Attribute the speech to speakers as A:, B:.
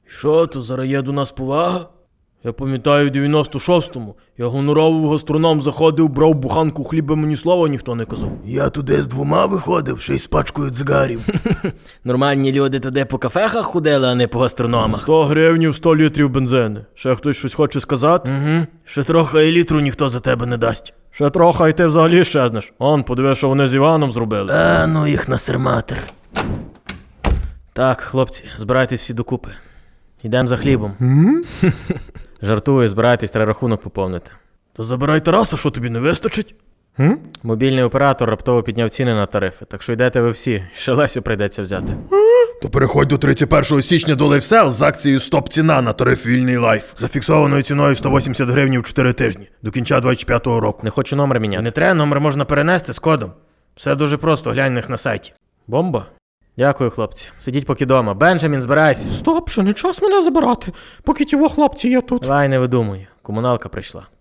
A: Що, то зараз є до нас повага? Я пам'ятаю, в 96-му я гоноровий гастроном заходив, брав буханку хліба, мені слова ніхто не казав.
B: Я туди з 2 виходив, ще й з пачкою цигарів.
A: Нормальні люди туди по кафехах ходили, а не по гастрономах. 100 гривнів, 100 літрів бензини. Ще хтось щось хоче сказати? Угу. Ще трохи і літру ніхто за тебе не дасть. Ще трохи, і ти взагалі щезнеш. Он, подиви, що вони з Іваном зробили.
B: Ну їх насерматер.
A: Так, хлопці, збирайтесь всі докупи. Йдемо за хлібом. Жартую, збирайтесь, треба рахунок поповнити. То забирай Тараса, що тобі не вистачить? Мобільний оператор раптово підняв ціни на тарифи, так що йдете ви всі, ще Лесю прийдеться взяти.
B: То переходь до 31 січня до LiveSell з акцією «Стоп-ціна» на тариф «Вільний лайф». За фіксованою ціною 180 гривень в 4 тижні. До кінця 25-го року.
A: Не хочу номер міняти. Не треба, номер можна перенести з кодом. Все дуже просто, глянь них на сайті. Бомба? Дякую, хлопці. Сидіть поки дома. Бенджамін, збирайся.
C: Стоп, що не час мене забирати, поки ті хлопці є тут.
A: Давай, не видумуй. Комуналка прийшла.